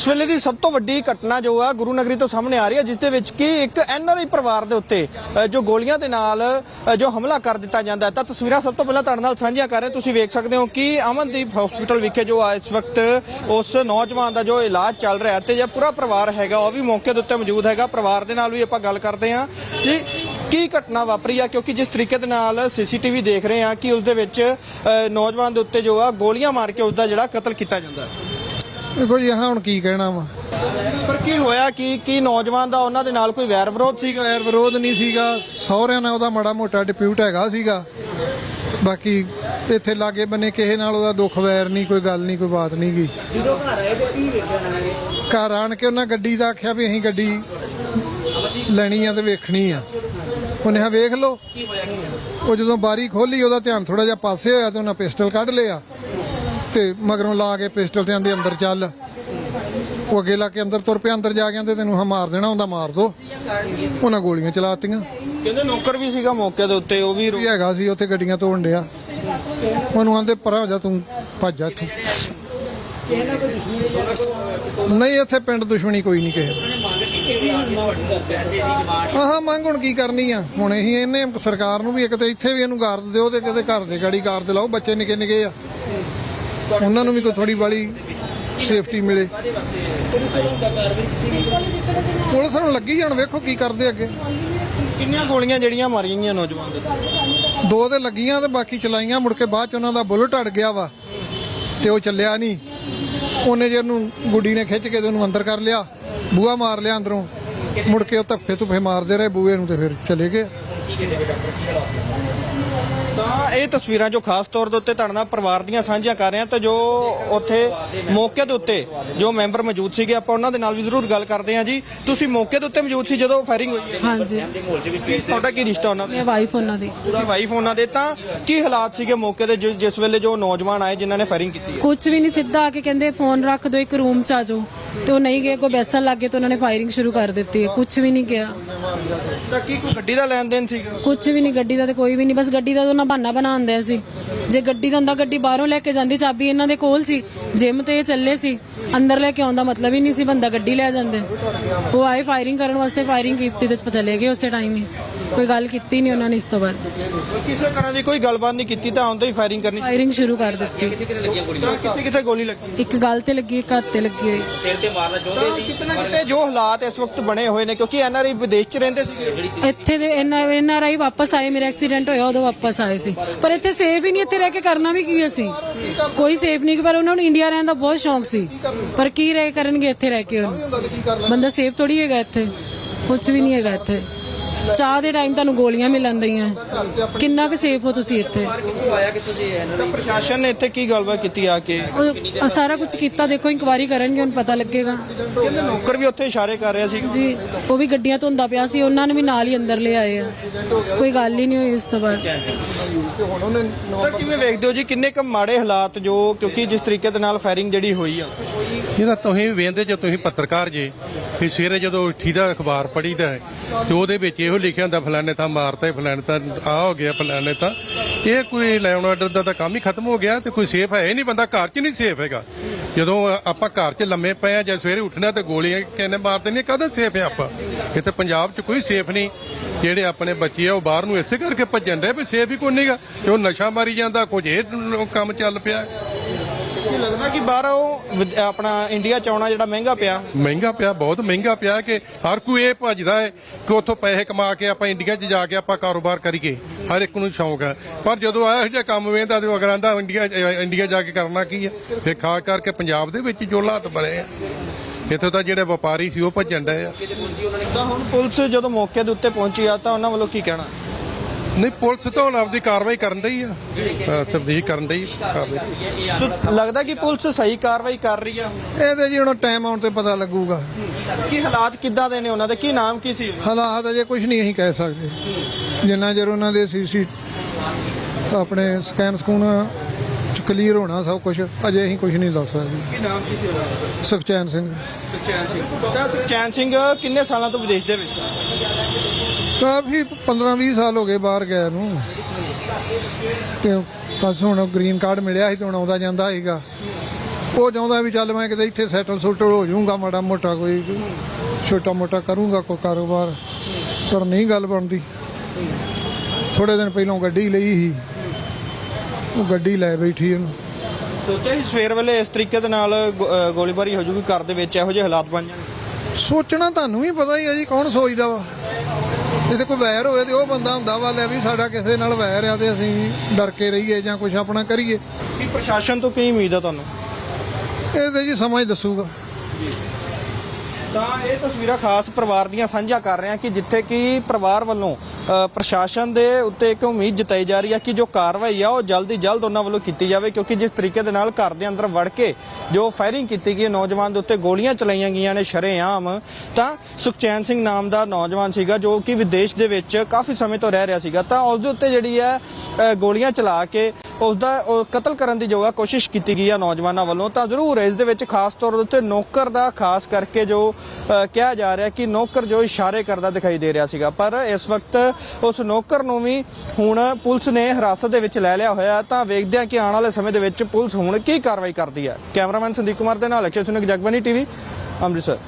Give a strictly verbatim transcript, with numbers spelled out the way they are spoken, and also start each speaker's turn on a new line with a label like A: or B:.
A: इस वेले की सब तो वड्डी घटना जो है गुरु नगरी तो सामने आ रही है, जिसदे विच कि एक एन आर आई परिवार दे उत्ते जो गोलियां दे नाल जो हमला कर दिता जाता है। तो तस्वीरां सब तो पहले तुहाडे नाल साझीआं कर रहे हैं। तुसीं वेख सकते हो कि अमनदीप हॉस्पिटल विखे जो इस वक्त उस नौजवान का जो इलाज चल रहा है, तो जो पूरा परिवार हैगा वो भी मौके दे उत्ते मौजूद हैगा। परिवार दे नाल भी आपां गल करदे हां जी की घटना वापरी है, क्योंकि जिस तरीके दे नाल सी सी टी वी देख रहे हैं कि उसदे विच नौजवान दे उत्ते जो है गोलियां मार के उसका जिहड़ा कतल किया जाता है।
B: देखो जी हाँ हुण की कहना वा,
A: पर की होया कि की नौजवान दा उन्हां दे नाल कोई वैर विरोध सीगा?
B: वैर विरोध नहीं सीगा, सहुरिਆਂ ਨਾਲ ਉਹਦਾ ਮਾੜਾ ਮੋਟਾ ਡਿਪਿਊਟ ਹੈਗਾ ਸੀਗਾ। ਬਾਕੀ ਇੱਥੇ ਲਾਗੇ ਬੰਨੇ ਕਿਸੇ ਨਾਲ ਉਹਦਾ ਦੁੱਖ ਵੈਰ ਨਹੀਂ, ਕੋਈ ਗੱਲ ਨਹੀਂ, ਕੋਈ ਬਾਤ ਨਹੀਂ ਗਈ।
C: ਜਦੋਂ ਘਰ ਆਏ ਤੇ ਕੀ ਵੇਖਿਆ ਉਹਨਾਂ ਨੇ?
B: ਘਰ ਆਣ ਕੇ ਉਹਨਾਂ ਗੱਡੀ ਦਾ ਆਖਿਆ ਵੀ ਅਸੀਂ ਗੱਡੀ ਲੈਣੀ ਆ ਤੇ ਵੇਖਣੀ ਆ। ਉਹਨੇ ਆ ਵੇਖ ਲਓ। ਉਹ ਜਦੋਂ ਬਾਰੀ ਖੋਲੀ ਉਹਦਾ ਧਿਆਨ ਥੋੜਾ ਜਿਹਾ ਪਾਸੇ ਹੋਇਆ ਤੇ ਉਹਨਾਂ ਪਿਸਟਲ ਕੱਢ ਲਿਆ ਤੇ ਮਗਰੋਂ ਲਾ ਕੇ ਪਿਸਟਲ ਤੇ ਆਂਦੇ ਅੰਦਰ ਚੱਲ। ਉਹ ਅੱਗੇ ਲਾ ਕੇ ਅੰਦਰ ਤੁਰ ਪਿਆ। ਅੰਦਰ ਜਾ ਕੇ ਆਂਦੇ ਤੈਨੂੰ ਹਾਂ ਮਾਰ ਦੇਣਾ ਹੁੰਦਾ, ਮਾਰ ਦੋ। ਉਹਨਾਂ ਗੋਲੀਆਂ ਚਲਾਤੀਆਂ।
A: ਕਹਿੰਦੇ ਨੌਕਰ ਵੀ ਸੀਗਾ ਮੌਕੇ ਦੇ ਉੱਤੇ, ਉਹ ਵੀ
B: ਵੀ ਹੈਗਾ ਸੀ ਉੱਥੇ ਗੱਡੀਆਂ ਧੋਣ ਡਿਆ। ਉਹਨੂੰ ਆਂਦੇ ਪਰਾਂ ਹੋ ਜਾ, ਤੂੰ ਭੱਜ ਜਾ ਇੱਥੋਂ। ਨਹੀਂ ਇੱਥੇ ਪਿੰਡ ਦੁਸ਼ਮਣੀ ਕੋਈ ਨਹੀਂ ਕਿਸੇ ਆਹ ਮੰਗ ਹੁਣ ਕੀ ਕਰਨੀ ਆ। ਹੁਣ ਅਸੀਂ ਇਹਨੇ ਸਰਕਾਰ ਨੂੰ ਵੀ ਇੱਕ ਤੇ ਇੱਥੇ ਵੀ ਇਹਨੂੰ ਗਾਰਦ ਦਿਓ ਤੇ ਕਿਤੇ ਘਰ ਦੇ ਗਾੜੀ ਗਾਰਦ ਲਾਓ। ਬੱਚੇ ਨਿੱਕੇ ਨਿੱਕੇ ਆ, ਉਹਨਾਂ ਨੂੰ ਵੀ ਕੋਈ ਥੋੜੀ ਬਾਲੀ ਸੇਫਟੀ ਮਿਲੇ। ਪੁਲਿਸ ਨੂੰ ਲੱਗੀ ਜਾਣ, ਵੇਖੋ ਕੀ ਕਰਦੇ ਅੱਗੇ।
A: ਕਿੰਨੀਆਂ ਗੋਲੀਆਂ ਜਿਹੜੀਆਂ ਮਾਰੀਆਂ ਗਈਆਂ ਨੌਜਵਾਨ ਦੇ?
B: ਦੋ ਤੇ ਲੱਗੀਆਂ ਤੇ ਬਾਕੀ ਚਲਾਈਆਂ। ਮੁੜ ਕੇ ਬਾਅਦ ਚ ਉਹਨਾਂ ਦਾ ਬੁਲਟ ਅੜ ਗਿਆ ਵਾ ਤੇ ਉਹ ਚੱਲਿਆ ਨਹੀਂ। ਉਹਨੇ ਜੇ ਉਹਨੂੰ ਗੁੱਡੀ ਨੇ ਖਿੱਚ ਕੇ ਤੇ ਉਹਨੂੰ ਅੰਦਰ ਕਰ ਲਿਆ, ਬੂਹਾ ਮਾਰ ਲਿਆ ਅੰਦਰੋਂ। ਮੁੜ ਕੇ ਉਹ ਧੱਫੇ ਧੁੱਫੇ ਮਾਰਦੇ ਰਹੇ ਬੂਹੇ ਨੂੰ ਤੇ ਫਿਰ ਚਲੇ ਗਏ।
A: ਤਾਂ ਇਹ ਤਸਵੀਰਾਂ ਜੋ ਖਾਸ ਤੌਰ ਦੇ ਉੱਤੇ ਤੁਹਾਡੇ ਨਾਲ ਪਰਿਵਾਰ ਦੀਆਂ ਸਾਂਝੀਆਂ ਕਰ ਰਹੇ ਹਾਂ, ਤਾਂ ਜੋ ਉੱਥੇ ਮੌਕੇ ਦੇ ਉੱਤੇ ਜੋ ਮੈਂਬਰ ਮੌਜੂਦ ਸੀਗੇ ਆਪਾਂ ਉਹਨਾਂ ਦੇ ਨਾਲ ਵੀ ਜ਼ਰੂਰ ਗੱਲ ਕਰਦੇ ਹਾਂ। ਜੀ ਤੁਸੀਂ ਮੌਕੇ ਦੇ ਉੱਤੇ ਮੌਜੂਦ ਸੀ ਜਦੋਂ ਫਾਇਰਿੰਗ ਹੋਈ ਹੈ?
D: ਹਾਂਜੀ,
A: ਤੁਹਾਡਾ ਕੀ ਰਿਸ਼ਤਾ ਉਹਨਾਂ
D: ਮੈਂ
A: ਦਾ?
D: ਵਾਈਫ ਉਹਨਾਂ ਦੀ।
A: ਤੁਸੀਂ ਵਾਈਫ ਉਹਨਾਂ ਦੇ। ਤਾਂ ਕੀ ਹਾਲਾਤ ਸੀਗੇ ਮੌਕੇ ਦੇ ਜਿ- ਜਿਸ ਵੇਲੇ ਜੋ ਨੌਜਵਾਨ ਆਏ ਜਿਨ੍ਹਾਂ ਨੇ ਫਾਇਰਿੰਗ ਕੀਤੀ ਹੈ?
D: ਕੁਝ ਵੀ ਨਹੀਂ, ਸਿੱਧਾ ਆ ਕੇ ਕਹਿੰਦੇ ਫੋਨ ਰੱਖ ਦਿਓ, ਇੱਕ ਰੂਮ ਚ ਆ ਜਾਓ। ਤੇ ਉਹ ਨਹੀਂ ਗਏ, ਕੋਈ ਬੈਸਣ ਲੱਗ ਗਏ ਤੇ ਉਹਨਾਂ ਨੇ ਫਾਇਰਿੰਗ ਸ਼ੁਰੂ ਕਰ ਦਿੱਤੀ। ਕੁਝ ਵੀ ਨਹੀਂ ਕਿਹਾ।
A: ਤਾਂ ਕੀ ਕੋਈ ਗੱਡੀ ਦਾ ਲੈਣ ਦੇਣ ਸੀਗਾ?
D: ਕੁਝ ਵੀ ਨਹੀਂ, ਗੱਡੀ ਦਾ ਤੇ ਕੋਈ ਵੀ ਨਹੀਂ। ਬਸ ਗੱਡੀ ਦਾ ਤਾਂ ਉਹਨਾਂ ਬਹਾਨਾ ਬਣਾਉਂਦੇ ਸੀ। ਜੇ ਗੱਡੀ ਦਾ ਹੁੰਦਾ ਗੱਡੀ ਬਾਹਰੋਂ ਲੈ ਕੇ ਜਾਂਦੀ, ਚਾਬੀ ਇਹਨਾਂ ਦੇ ਕੋਲ ਸੀ। ਜਿਮ ਤੇ ਇਹ ਚੱਲੇ ਸੀ, ਅੰਦਰ ਲੈ ਕੇ ਆਉਂਦਾ ਮਤਲਬ ਹੀ ਨਹੀਂ ਸੀ, ਬੰਦਾ ਗੱਡੀ ਲੈ ਜਾਂਦੇ। ਉਹ ਆਏ ਫਾਇਰਿੰਗ ਕਰਨ ਵਾਸਤੇ, ਫਾਇਰਿੰਗ ਕੀਤੀ ਤੇ ਚਲੇ ਗਏ ਉਸੇ ਟਾਈਮ ਹੀ। ਕੋਈ ਗੱਲ ਕੀਤੀ ਨਹੀਂ ਉਹਨਾਂ ਨੇ ਇਸ ਤੋਂ ਬਾਅਦ।
A: ਕਿਸੇ ਤਰ੍ਹਾਂ ਦੀ ਕੋਈ ਗੱਲਬਾਤ ਨਹੀਂ ਕੀਤੀ ਤਾਂ ਆਉਂਦੇ ਹੀ ਫਾਇਰਿੰਗ ਕਰਨੀ?
D: ਫਾਇਰਿੰਗ ਸ਼ੁਰੂ ਕਰ ਦਿੱਤੀ।
A: ਕਿੱਥੇ ਕਿੱਥੇ ਗੋਲੀ ਲੱਗੀ?
D: ਇੱਕ ਗੱਲ ਤੇ ਲੱਗੀ, ਇੱਕ ਹੱਥ ਤੇ ਲੱਗੀ ਹੋਈ।
C: ਸਿਰ ਤੇ ਮਾਰਨਾ ਚਾਹੁੰਦੇ
A: ਤਾਂ
C: ਸੀ।
A: ਕਿਤੇ ਨਾ ਕਿਤੇ ਜੋ ਹਾਲਾਤ ਇਸ ਵਕਤ ਬਣੇ ਹੋਏ ਨੇ, ਕਿਉਂਕਿ ਐਨ ਆਰ ਆਈ ਵਿਦੇਸ਼ 'ਚ ਰਹਿੰਦੇ ਸੀਗੇ।
D: ਇੱਥੇ ਦੇ ਐਨ ਆਰ ਆਈ ਵਾਪਸ ਆਏ, ਮੇਰਾ ਐਕਸੀਡੈਂਟ ਹੋਇਆ ਉਦੋਂ ਵਾਪਸ ਆਏ ਸੀ। ਪਰ ਇੱਥੇ ਸੇਫ ਹੀ ਨਹੀਂ, ਇੱਥੇ ਰਹਿ ਕੇ ਕਰਨਾ ਵੀ ਕੀ ਅਸੀਂ? ਕੋਈ ਸੇਫ ਨਹੀਂ। ਪਰ ਉਹਨਾਂ ਨੂੰ ਇੰਡੀਆ ਰਹਿਣ ਦਾ ਬਹੁਤ ਸ਼ੌਂਕ ਸੀ, ਪਰ ਕੀ ਰਹਿ ਕਰਨਗੇ ਇੱਥੇ ਰਹਿ ਕੇ? ਬੰਦਾ ਸੇਫ ਥੋੜੀ ਹੈਗਾ ਇੱਥੇ, ਕੁਝ ਵੀ ਨਹੀਂ ਹੈਗਾ ਇੱਥੇ। ਚਾਹ ਦੇ ਟਾਈਮ ਤੁਹਾਨੂੰ ਗੋਲੀਆਂ ਮਿਲਣ ਦਈਆਂ, ਕਿੰਨਾ ਕੁ ਸੇਫ ਹੋ ਤੁਸੀਂ ਇੱਥੇ?
A: ਤਾਂ ਪ੍ਰਸ਼ਾਸਨ ਨੇ ਇੱਥੇ ਕੀ ਗੱਲਬਾਤ ਕੀਤੀ ਆ ਕੇ?
D: ਉਹ ਸਾਰਾ ਕੁਝ ਕੀਤਾ, ਦੇਖੋ ਇਨਕੁਆਇਰੀ ਕਰਨਗੇ, ਹੁਣ ਪਤਾ ਲੱਗੇਗਾ।
A: ਕਹਿੰਦੇ ਨੌਕਰ ਵੀ ਉੱਥੇ ਇਸ਼ਾਰੇ ਕਰ ਰਿਹਾ ਸੀ
D: ਜੀ, ਉਹ ਵੀ ਗੱਡੀਆਂ ਧੋਂਦਾ ਪਿਆ ਸੀ, ਉਹਨਾਂ ਨੂੰ ਵੀ ਨਾਲ ਹੀ ਅੰਦਰ ਲੈ ਆਏ ਆ। ਕੋਈ ਗੱਲ ਹੀ ਨਹੀਂ ਹੋਈ ਉਸ ਤੋਂ ਬਾਅਦ।
A: ਤਾਂ ਕਿਵੇਂ ਵੇਖਦੇ ਹੋ ਜੀ ਕਿੰਨੇ ਕੁ ਮਾੜੇ ਹਾਲਾਤ ਜੋ, ਕਿਉਂਕਿ ਜਿਸ ਤਰੀਕੇ ਦੇ ਨਾਲ ਫਾਇਰਿੰਗ ਜਿਹੜੀ ਹੋਈ ਆ?
E: ਇਹਦਾ ਤੁਸੀਂ ਵੇਖਦੇ ਜੇ ਤੁਸੀਂ ਪੱਤਰਕਾਰ ਜੇ ਵੀ ਸਵੇਰੇ ਜਦੋਂ ਉੱਠੀ ਦਾ ਅਖਬਾਰ ਪੜ੍ਹੀਦਾ ਹੈ ਤੇ ਉਹਦੇ ਵਿੱਚ ਇਹੋ ਲਿਖਿਆ ਹੁੰਦਾ ਫਲਾਣੇ ਤਾਂ ਮਾਰਤਾ, ਫਲਾਣੇ ਤਾਂ ਆ ਹੋ ਗਿਆ, ਫਲਾਣੇ ਤਾਂ। ਇਹ ਕੋਈ ਲੈਣ ਆਰਡਰ ਦਾ ਤਾਂ ਕੰਮ ਹੀ ਖਤਮ ਹੋ ਗਿਆ ਤੇ ਕੋਈ ਸੇਫ ਹੈ ਹੀ ਨਹੀਂ। ਬੰਦਾ ਘਰ 'ਚ ਨਹੀਂ ਸੇਫ ਹੈਗਾ। ਜਦੋਂ ਆਪਾਂ ਘਰ 'ਚ ਲੰਮੇ ਪਏ ਆ ਜਾਂ ਸਵੇਰੇ ਉੱਠਣਾ ਤੇ ਗੋਲੀਆਂ ਕਿੰਨੇ ਮਾਰ ਦਿੰਦੀਆਂ, ਕਦੇ ਸੇਫ ਹੈ ਆਪਾਂ? ਕਿਤੇ ਪੰਜਾਬ 'ਚ ਕੋਈ ਸੇਫ ਨਹੀਂ। ਜਿਹੜੇ ਆਪਣੇ ਬੱਚੇ ਆ ਉਹ ਬਾਹਰ ਨੂੰ ਇਸੇ ਕਰਕੇ ਭੱਜਣ ਦੇ ਵੀ ਸੇਫ ਹੀ ਕੋਈ ਨਹੀਂਗਾ। ਤੇ ਉਹ ਨਸ਼ਾ ਮਾਰੀ ਜਾਂਦਾ, ਕੁਝ ਇਹ ਕੰਮ ਚੱਲ ਪਿਆ।
A: ਕੀ ਲੱਗਦਾ ਕਿ ਬਾਹਰ ਉਹ ਵਿਦ- ਆਪਣਾ ਇੰਡੀਆ 'ਚ ਆਉਣਾ ਜਿਹੜਾ ਮਹਿੰਗਾ ਪਿਆ?
E: ਮਹਿੰਗਾ ਪਿਆ, ਬਹੁਤ ਮਹਿੰਗਾ ਪਿਆ ਕਿ ਹਰ ਕੋਈ ਇਹ ਭੱਜਦਾ ਹੈ ਕਿ ਉੱਥੋਂ ਪੈਸੇ ਕਮਾ ਕੇ ਆਪਾਂ ਇੰਡੀਆ 'ਚ ਜਾ ਕੇ ਆਪਾਂ ਕਾਰੋਬਾਰ ਕਰੀਏ। ਹਰ ਇੱਕ ਨੂੰ ਸ਼ੌਂਕ ਹੈ, ਪਰ ਜਦੋਂ ਇਹੋ ਜਿਹਾ ਕੰਮ ਵੇਂਦਾ ਤੇ ਅਗਰਾਂ ਦਾ ਇੰਡੀਆ ਇੰਡੀਆ ਜਾ ਕੇ ਕਰਨਾ ਕੀ ਹੈ? ਫਿਰ ਖਾਸ ਕਰਕੇ ਪੰਜਾਬ ਦੇ ਵਿੱਚ ਜੋ ਹਾਲਾਤ ਬਣੇ ਆ, ਇੱਥੋਂ ਤਾਂ ਜਿਹੜੇ ਵਪਾਰੀ ਸੀ ਉਹ ਭੱਜਣ ਡਏ ਆ।
A: ਤਾਂ ਹੁਣ ਪੁਲਿਸ ਜਦੋਂ ਮੌਕੇ ਦੇ ਉੱਤੇ ਪਹੁੰਚੀ ਆ ਤਾਂ ਉਹਨਾਂ ਵੱਲੋਂ ਕੀ ਕਹਿਣਾ?
E: ਨਹੀਂ, ਪੁਲਿਸ ਤਾਂ ਹੁਣ ਆਪਦੀ ਕਾਰਵਾਈ ਕਰਨ ਡਈ ਆ, ਤਬਦੀਲ ਕਰਨ ਡਈ ਕਾਰਵਾਈ।
A: ਤਾਂ ਲੱਗਦਾ ਕਿ ਪੁਲਿਸ ਸਹੀ ਕਾਰਵਾਈ ਕਰ ਰਹੀ ਆ?
B: ਇਹਦੇ ਜੀ ਹੁਣ ਟਾਈਮ ਆਉਣ ਤੇ ਪਤਾ ਲੱਗੂਗਾ।
A: ਕੀ ਹਾਲਾਤ ਕਿੱਦਾਂ ਦੇ ਨੇ ਉਹਨਾਂ ਦੇ? ਕੀ ਨਾਮ ਕੀ ਸੀ?
B: ਹਾਲਾਤ ਅਜੇ ਕੁਝ ਨਹੀਂ ਅਸੀਂ ਕਹਿ ਸਕਦੇ। ਜਿੰਨਾ ਚਿਰ ਉਹਨਾਂ ਦੇ ਸੀ ਸੀ ਆਪਣੇ ਸਕੈਨ ਸਕੂਨ ਕਲੀਅਰ ਹੋਣਾ ਸਭ ਕੁਝ, ਅਜੇ ਅਸੀਂ ਕੁਝ ਨਹੀਂ ਦੱਸ ਸਕਦੇ।
A: ਕੀ ਨਾਮ ਕੀ ਸੀ ਉਹਨਾਂ ਦਾ?
B: ਸੁਖਚੈਨ ਸਿੰਘ।
A: ਸੁਖਚੈਨ ਸਿੰਘ। ਤਾਂ ਸੁਖਚੈਨ ਸਿੰਘ ਕਿੰਨੇ ਸਾਲਾਂ ਤੋਂ ਵਿਦੇਸ਼ ਦੇ ਵਿੱਚ?
B: ਕਾਫੀ ਪੰਦਰਾਂ ਵੀਹ ਸਾਲ ਹੋ ਗਏ ਬਾਹਰ ਗਏ ਨੂੰ, ਤੇ ਬਸ ਹੁਣ ਗ੍ਰੀਨ ਕਾਰਡ ਮਿਲਿਆ ਸੀ ਤੇ ਹੁਣ ਆਉਂਦਾ ਜਾਂਦਾ ਸੀਗਾ। ਉਹ ਚਾਹੁੰਦਾ ਵੀ ਚੱਲ ਮੈਂ ਕਿਤੇ ਇੱਥੇ ਸੈਟਲ ਸੁਟਲ ਹੋ ਜਾਊਂਗਾ, ਮਾੜਾ ਮੋਟਾ ਕੋਈ ਛੋਟਾ ਮੋਟਾ ਕਰੂੰਗਾ ਕੋਈ ਕਾਰੋਬਾਰ, ਪਰ ਨਹੀਂ ਗੱਲ ਬਣਦੀ। ਥੋੜੇ ਦਿਨ ਪਹਿਲਾਂ ਗੱਡੀ ਲਈ ਸੀ, ਉਹ ਗੱਡੀ ਲੈ ਬੈਠੀ ਉਹਨੂੰ।
A: ਸੋਚਿਆ ਸੀ ਸਵੇਰ ਵੇਲੇ ਇਸ ਤਰੀਕੇ ਦੇ ਨਾਲ ਗੋ- ਅ, ਗੋਲੀਬਾਰੀ ਹੋ ਜੂਗੀ, ਘਰ ਦੇ ਵਿੱਚ ਇਹੋ ਜਿਹੇ ਹਾਲਾਤ ਬਣ ਜਾਣਗੇ?
B: ਸੋਚਣਾ ਤੁਹਾਨੂੰ ਵੀ ਪਤਾ ਹੀ ਹੈ ਜੀ, ਕੌਣ ਸੋਚਦਾ ਵਾ। ਜੇ ਤੇ ਕੋਈ ਵੈਰ ਹੋਵੇ ਤੇ ਉਹ ਬੰਦਾ ਹੁੰਦਾ ਵਾ ਲੈ ਵੀ ਸਾਡਾ ਕਿਸੇ ਨਾਲ ਵੈਰ ਆ ਤੇ ਅਸੀਂ ਡਰ ਕੇ ਰਹੀਏ ਜਾਂ ਕੁਝ ਆਪਣਾ ਕਰੀਏ।
A: ਕੀ ਪ੍ਰਸ਼ਾਸਨ ਤੋਂ ਕੀ ਉਮੀਦ ਆ ਤੁਹਾਨੂੰ?
B: ਇਹ ਤੇ ਜੀ ਸਮਾਂ ਹੀ ਦੱਸੂਗਾ।
A: ਤਾਂ ਇਹ ਤਸਵੀਰਾਂ ਖਾਸ ਪਰਿਵਾਰ ਦੀਆਂ ਸਾਂਝਾ ਕਰ ਰਹੇ ਹਾਂ ਕਿ ਜਿੱਥੇ ਕਿ ਪਰਿਵਾਰ ਵੱਲੋਂ ਅ, ਪ੍ਰਸ਼ਾਸਨ ਦੇ ਉੱਤੇ ਇੱਕ ਉਮੀਦ ਜਤਾਈ ਜਾ ਰਹੀ ਹੈ ਕਿ ਜੋ ਕਾਰਵਾਈ ਆ ਉਹ ਜਲਦੀ ਜਲਦ ਉਹਨਾਂ ਵੱਲੋਂ ਕੀਤੀ ਜਾਵੇ, ਕਿਉਂਕਿ ਜਿਸ ਤਰੀਕੇ ਦੇ ਨਾਲ ਘਰ ਦੇ ਅੰਦਰ ਵੜ ਕੇ ਜੋ ਫਾਇਰਿੰਗ ਕੀਤੀ ਗਈ, ਨੌਜਵਾਨ ਦੇ ਉੱਤੇ ਗੋਲੀਆਂ ਚਲਾਈਆਂ ਗਈਆਂ ਨੇ ਸ਼ਰੇਆਮ। ਤਾਂ ਸੁਖਚੈਨ ਸਿੰਘ ਨਾਮ ਦਾ ਨੌਜਵਾਨ ਸੀਗਾ ਜੋ ਕਿ ਵਿਦੇਸ਼ ਦੇ ਵਿੱਚ ਕਾਫੀ ਸਮੇਂ ਤੋਂ ਰਹਿ ਰਿਹਾ ਸੀਗਾ, ਤਾਂ ਉਸ ਦੇ ਉੱਤੇ ਜਿਹੜੀ ਹੈ ਅ, ਗੋਲੀਆਂ ਚਲਾ ਕੇ ਉਸ ਦਾ ਉਹ ਕਤਲ ਕਰਨ ਦੀ ਜੋ ਹੈ ਕੋਸ਼ਿਸ਼ ਕੀਤੀ ਗਈ ਆ ਨੌਜਵਾਨਾਂ ਵੱਲੋਂ। ਤਾਂ ਜ਼ਰੂਰ ਇਸ ਦੇ ਵਿੱਚ ਖਾਸ ਤੌਰ ਦੇ ਉੱਤੇ ਨੌਕਰ ਦਾ ਖਾਸ ਕਰਕੇ ਜੋ ਅ, ਕਿਹਾ ਜਾ ਰਿਹਾ ਕਿ ਨੌਕਰ ਜੋ ਇਸ਼ਾਰੇ ਕਰਦਾ ਦਿਖਾਈ ਦੇ ਰਿਹਾ ਸੀਗਾ, ਪਰ ਇਸ ਵਕਤ ਉਸ ਨੌਕਰ ਨੂੰ ਵੀ ਹੁਣ ਪੁਲਿਸ ਨੇ ਹਿਰਾਸਤ ਦੇ ਵਿੱਚ ਲੈ ਲਿਆ ਹੋਇਆ। ਤਾਂ ਵੇਖਦੇ ਹਾਂ ਕਿ ਆਉਣ ਵਾਲੇ ਸਮੇਂ ਦੇ ਵਿੱਚ ਪੁਲਿਸ ਹੁਣ ਕੀ ਕਾਰਵਾਈ ਕਰਦੀ ਹੈ। ਕੈਮਰਾਮੈਨ ਸੰਦੀਪ ਕੁਮਾਰ ਦੇ ਨਾਲ ਅਕਸ਼ੇ ਸੁਨਕ, ਜਗਬਾਨੀ ਟੀਵੀ, ਅੰਮ੍ਰਿਤਸਰ।